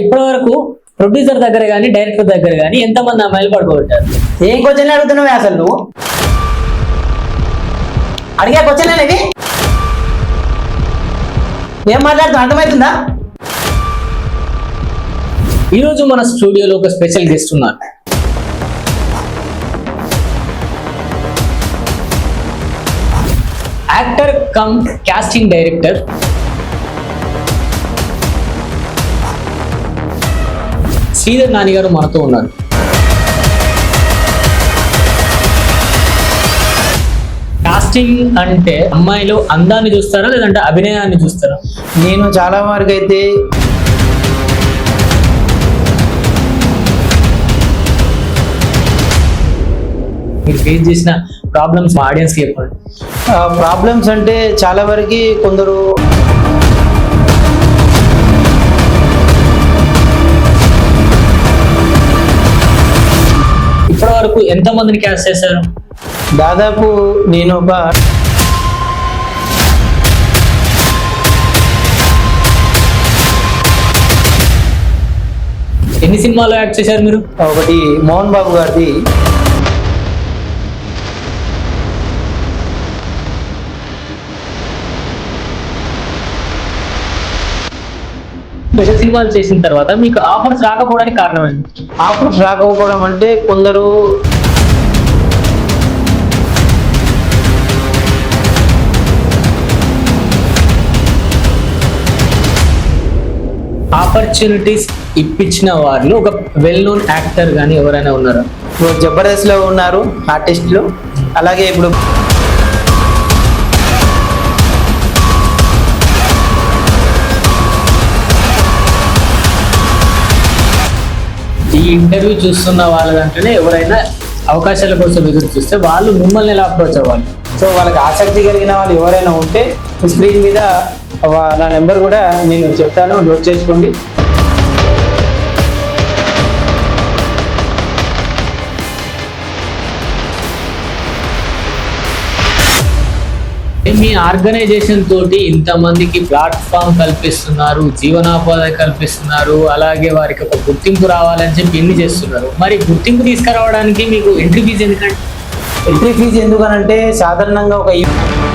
ఇప్పటి వరకు ప్రొడ్యూసర్ దగ్గర కానీ డైరెక్టర్ దగ్గర కానీ ఎంతమంది అమ్మాయిలు పడుకోబెట్టారు? ఏం క్వశ్చన్ అడుగుతున్నావు అసలు నువ్వు? అడిగే క్వశ్చన్ అనేది ఏం మాట్లాడుతున్నా అర్థమవుతుందా? ఈరోజు మన స్టూడియోలో ఒక స్పెషల్ గెస్ట్ ఉన్నారు. Actor cum casting director Sridhar Nani గారు మనతో ఉన్నారు. కాస్టింగ్ అంటే అమ్మాయిలు అందాన్ని చూస్తారా లేదంటే అభినయాన్ని చూస్తారా? నేను చాలా వరకు అయితే మీరు ఫేస్ చేసిన ప్రాబ్లమ్స్ ఆడియన్స్ కి చెప్పండి. ప్రాబ్లమ్స్ అంటే చాలా వరకు కొందరు ఇప్పటి వరకు ఎంత మందిని క్యాస్ట్ చేశారు? దాదాపు నేను ఒక ఎన్ని సినిమాలో యాక్ట్ చేశారు మీరు? ఒకటి మోహన్ బాబు గారిది, స్పెషల్ సినిమాలు చేసిన తర్వాత మీకు ఆఫర్స్ రాకపోవడానికి కారణం ఏంటి? ఆఫర్స్ రాకపోవడం అంటే కొందరు ఆపర్చునిటీస్ ఇప్పించిన వారిలో ఒక వెల్ నోన్ యాక్టర్ కానీ ఎవరైనా ఉన్నారా? ఇప్పుడు జబర్దస్త్ లో ఉన్నారు ఆర్టిస్టులు. అలాగే ఇప్పుడు ఈ ఇంటర్వ్యూ చూస్తున్న వాళ్ళ దాంట్లోనే ఎవరైనా అవకాశాల కోసం ఎదురు చూస్తే వాళ్ళు మిమ్మల్ని ఎలా అప్రోచ్ అవ్వాలి? సో వాళ్ళకి ఆసక్తి కలిగిన వాళ్ళు ఎవరైనా ఉంటే స్క్రీన్ మీద నా నెంబర్ కూడా నేను చెప్తాను, నోట్ చేసుకోండి. మీ ఆర్గనైజేషన్ తోటి ఇంతమందికి ప్లాట్ఫామ్ కల్పిస్తున్నారు, జీవనోపాధి కల్పిస్తున్నారు, అలాగే వారికి ఒక గుర్తింపు రావాలని చెప్పి ఎన్ని చేస్తున్నారు. మరి గుర్తింపు తీసుకురావడానికి మీకు ఎంట్రీ ఫీజు ఎందుకంటే? ఎంట్రీ ఫీజు ఎందుకనంటే సాధారణంగా ఒక